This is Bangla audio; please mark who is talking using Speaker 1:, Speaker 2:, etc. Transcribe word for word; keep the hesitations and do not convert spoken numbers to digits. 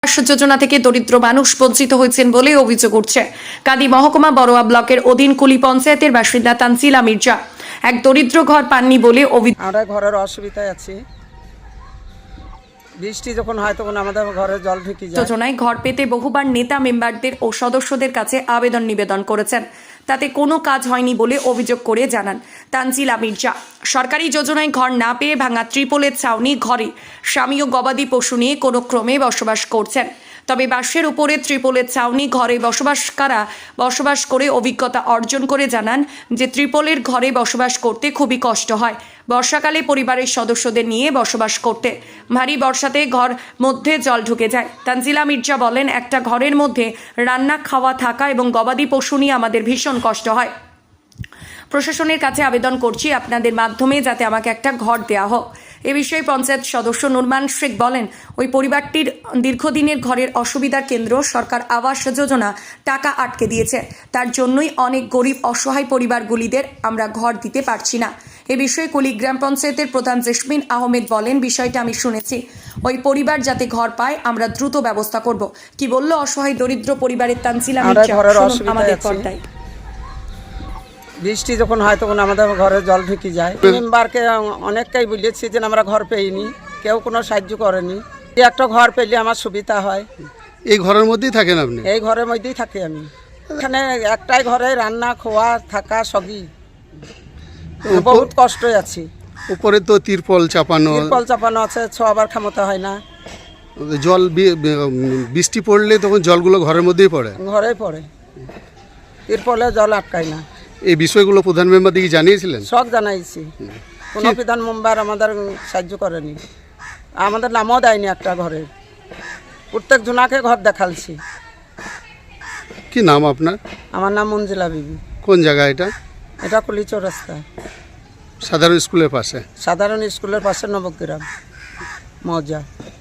Speaker 1: আবাস যোজনা থেকে দরিদ্র মানুষ বঞ্চিত হয়েছেন বলে অভিযোগ উঠছে। কাদি মহকুমা বড়োয়া ব্লকের অধীন কুলি পঞ্চায়েতের বাসিন্দা তানজিলা মির্জা এক দরিদ্র ঘর পাননি বলে অভিযোগ।
Speaker 2: আমরা ঘরের অসুবিধায় আছি, বৃষ্টি যখন হয় তখন আমাদের ঘরে জল ঢুকে যায়।
Speaker 1: যোজনায় ঘর পেতে বহুবার নেতা মেম্বারদের ও সদস্যদের কাছে আবেদন নিবেদন করেছেন, তাতে কোনো কাজ হয়নি বলে অভিযোগ করে জানান তানজিলা মির্জা। সরকারি যোজনায় ঘর না পেয়ে ভাঙা ত্রিপলের ছাউনি ঘরে স্বামী ও গবাদি পশু নিয়ে কোনো ক্রমে বসবাস করছেন। তবে বাঁশের উপরে ত্রিপলের ছাউনি ঘরে বসবাসকারা বসবাস করে অভিজ্ঞতা অর্জন করে জানান যে ত্রিপলের ঘরে বসবাস করতে খুবই কষ্ট হয়। বর্ষাকালে পরিবারের সদস্যদের নিয়ে বসবাস করতে ভারী বর্ষাতে ঘর মধ্যে জল ঢুকে যায়। তানজিলা মির্জা বলেন, একটা ঘরের মধ্যে রান্না খাওয়া থাকা এবং গবাদি পশু নিয়ে আমাদের ভীষণ কষ্ট হয়। প্রশাসনের কাছে আবেদন করছি আপনাদের মাধ্যমে যাতে আমাকে একটা ঘর দেওয়া হোক। এ বিষয়ে পঞ্চায়েত সদস্য নুরমান শেখ বলেন, ওই পরিবারটির দীর্ঘদিনের ঘরের অসুবিধার কেন্দ্র সরকার আবাস যোজনা টাকা আটকে দিয়েছে, তার জন্যই অনেক গরিব অসহায় পরিবারগুলিদের আমরা ঘর দিতে পারছি না। এ বিষয়ে কুলি গ্রাম পঞ্চায়েতের প্রধান জেসমিন আহমেদ বলেন, বিষয়টা আমি শুনেছি, ওই পরিবার যাতে ঘর পায় আমরা দ্রুত ব্যবস্থা করব। কি বলল অসহায় দরিদ্র পরিবারের তানজিলা মির্জা, আমাদের পর্দায়।
Speaker 2: বৃষ্টি যখন হয় তখন আমাদের ঘরে জল ঢুকে যায়। মেম্বারকে অনেকটাই বলেছি যে আমরা ঘর পেইনি, কেউ কোনো সাহায্য করেনি। একটা ঘর পেলে আমার সুবিধা হয়।
Speaker 3: এই ঘরের মধ্যেই থাকেন আপনি?
Speaker 2: এই ঘরের মধ্যেই থাকি আমি। এখানে একটাই ঘরে রান্না খাওয়া থাকা সবই, বহুত কষ্ট আছি।
Speaker 3: উপরে তো তিরপল চাপানো
Speaker 2: তিরপল চাপানো আছে, ছোয়াবার ক্ষমতা হয় না।
Speaker 3: জল বৃষ্টি পড়লে তখন জলগুলো ঘরের মধ্যেই পড়ে?
Speaker 2: ঘরেই পড়ে, তিরপলে জল আটকায় না।
Speaker 3: এই বিষয়গুলো প্রধান মেম্বার দিকে জানিয়েছিলেন?
Speaker 2: সব জানাইছি, কোনো প্রধান মেম্বার আমাদের সাহায্য করেনি, আমাদের নামও দেয়নি একটা ঘরের। প্রত্যেক জনাকে ঘর দেখালছি।
Speaker 3: কি নাম আপনার?
Speaker 2: আমার নাম মঞ্জিলা বিবি।
Speaker 3: কোন জায়গা এটা?
Speaker 2: এটা কুলি চৌরাস্তা,
Speaker 3: সাধারণ স্কুলের পাশে।
Speaker 2: সাধারণ স্কুলের পাশে নবগ্রাম মৌজা।